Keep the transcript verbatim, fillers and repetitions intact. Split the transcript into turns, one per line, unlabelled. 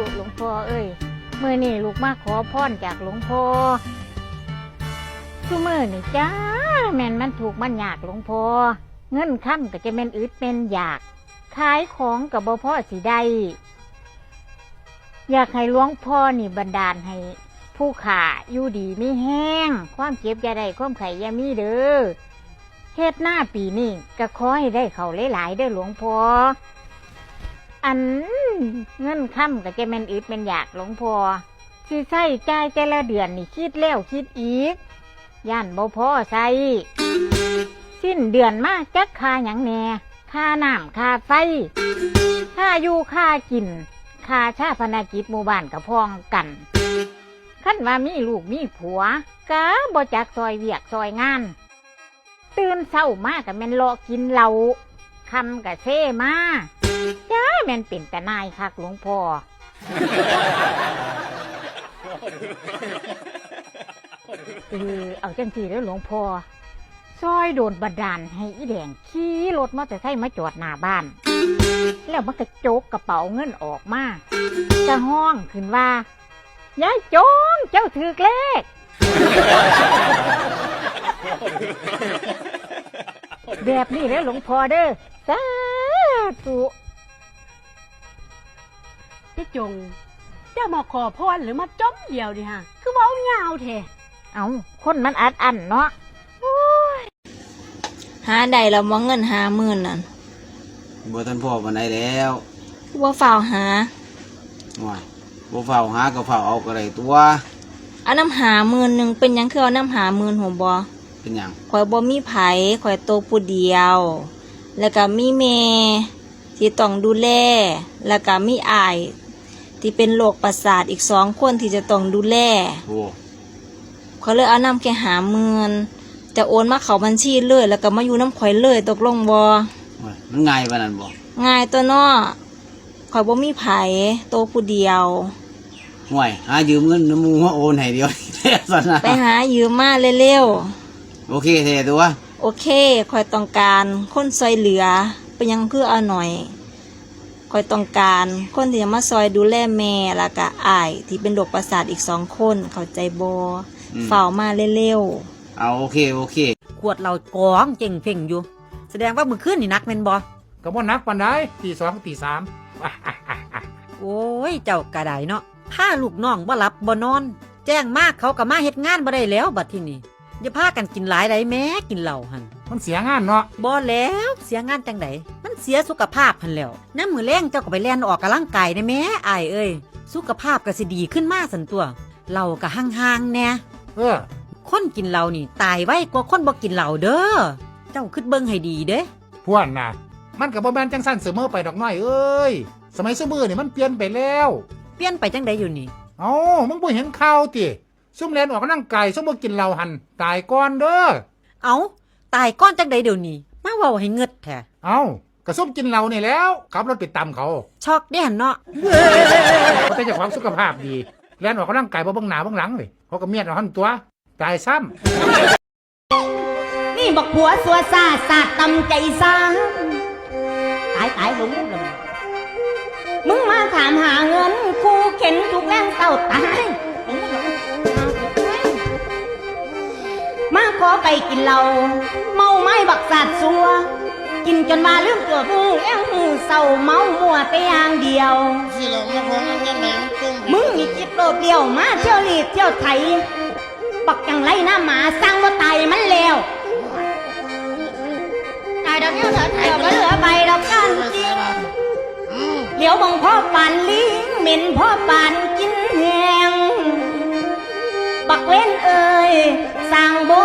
หลวงพ่อเอ้ยมื่อนี่ลูกมาขอพรจากหลวงพ่อทุกมื่อนี่จ้าแม่นมันถูกมันยากหลวงพ่อเงินค่ำก็จะแม่นอึดเป็นอยากขายของกับบ่พ่อสิได้อยากให้หลวงพ่อนี่บันดาลให้ผู้ขาอยู่ดีไม่แห้งความเจ็บอย่าได้ความไข่อย่ามีเด้อเฮ็ดหน้าปีนี้ก็ขอให้ได้เขาหลายๆเด้อหลวงพ่ออันเงินค่ำก็จะแม่นอึดเป็นอยากหลวงพ่อสิใช้จ่ายแต่ละเดือนนี่คิดแล้วคิดอีกย่านบ่พอใช้สิ้นเดือนมาจักค่าหยังแหน่ค่าน้ำค่าไฟค่าอยู่ค่ากินค่าชาพนกิจหมู่บ้านกับพ้องกันคันว่ามีลูกมีผัวก็บ่จักซอยเวียกซอยงานตื่นเช้ามาก็แม่นเลาะกินเหล้าคำก็เซ่มาจ้าแม่นเป็นแต่นายคักหลวงพ่อเออเอาจังสีแล้วหลวงพ่อซอยโดนบันดาลให้อีแดงขี่รถมอเตอร์ไซค์มาจอดหน้าบ้านแล้วมันก็โจกกระเป๋าเงินออกมาจะห้องขึ้นว่ายายจงเจ้าถือเลขแบบนี้แล้วหลวงพ่อเด้อสาธุ
พี่จงเจ้ามาขอพรหรือมาจ้อมเดียวดิฮะคือเว้ายาวแท้
เอาคนมันอัดอันเนาะ
หาได้แล้วมองเงินหาหมื่นนั่น
บ่ทันพ่อปานใดแล้ว
คือว่าฝ่าวหา
ว่าบ่เฝ้าหาก็เฝ้าเอาก็ได้ตัว
เอาน้ำหาหมื่นหนึ่งเป็นยังคือเอาน้ำหาหมื่นหัวบอ
เป็นหยัง
ข่อยบ่มีไผข่อยโตผู้เดียวแล้วก็มีแม่ที่ต้องดูแลแล้วก็มีอ้ายที่เป็นโรคประสาทอีกสองคนที่จะต้องดูแล
โอ้
ข่อยเลยเอาน้ำแค่หาหมื่นจะโอนมาเข้าบัญชีเลยแล้วก็มาอยู่น้ำข่อยเลยตกลงบ่
มันง่ายปานนั้นบ่
ง่ายตัวเนาะข่อยบ่มีไผโตผู้เดียว
ห่วยหายืมเงินน้ำมูมาโอนให้เดียวแท้ซั่นน่ะ
ไปหายืมมาเร็ว
ๆโอเคแท้ตัว
โอเคข่อยต้องการคนซอยเหลือไปยังคือเอาหน่อยข่อยต้องการคนที่จะมาซอยดูแลแม่แล้วก็อ้ายที่เป็นโรคประสาทอีกสองคนเข้าใจบ่เฝ้ามาเร็ว
ๆเอาโอเคโอเค
ขวดเรากองเจ่งเพ่งอยู่แสดงว่ามือขึ้นนี่นักแม่นบ่
ก็บ่นักปานใดตีสองตีสาม
โอ้ยเจ้ากระไดเนาะพาลูกน้องบ่หลับบ่นอนแจ้งมากเขาก็มาเฮ็ดงานบ่ได้แล้วบัดทีนี้อย่าพากันกินหลายได้แม้กินเหล้าหั่น
มันเสียงานเนาะ
บ่แล้วเสียงานจังไดมันเสียสุขภาพหั่นแล้วน้ำมือแรงเจ้าก็ไปแล่นออกกำลังกายได้แม้อ้ายเอ้ยสุขภาพก็สิดีขึ้นมาซั่นตัวเหล้าก็ห่างๆแน่
เออ
คนกินเหล้านี่ตายไวกว่าคนบ่กินเหล้าเด้อเจ้าคิดเบิ่งให้ดีเด้
พวนน่ะมันก็บ่แม่นจังซั่นเสมอไปดอกน้อยเอ้ยสมัยซุมื้อนี่มันเปลี่ยนไปแล้ว
เปลี่ยนไปจังไดอยู่นี่
เอ้ามึงบ่เห็นข่าวติซุ่มแล่นออกกำลังกายซุ่มบ่กินเหล้าหั่นตายก่อนเด้อ
เอ้าตายก่อนจังไดเดี๋ยวนี้มาเว้าให้เงิดแท้
เอ้าก็ซุ่มกินเหล้านี่แล้วขับรถไปตามเขา
ช็อกเด้หั่นเนาะ
เขาแต่เจ้าของสุขภาพดีแล่นออกกำลังกายบ่เบิ่งหน้าเบิ่งหลังเลยเขาก็เมียดเอาหั่นตัวตายซ้
ำนี่บอกผัวสัวซาสาดตำใจซ้ำตายตายหลงเลยมึงมาถามหาเงินกูเข็นทุกแรงเต้าตายมาขอไปกินเหล้าเมาไม้บักสาดซัวกินจนมาลืมตัวมึงเอ็งเศร้าเมามัวแต่อย่างเดียวมึงมีจิตโดดเดี่ยวมาเที่ยวรีบเที่ยวไถบักจังไรหน้าหมาสร้างว่าตายมันแล้วตายดอกเดียวเถิดเดียวก็เหลือใบดอกกันจริงเดี๋ยวบังพ่อปานลิงเหม็นพ่อปานกินแหงบักเว้นเอ่ยสร้างโบ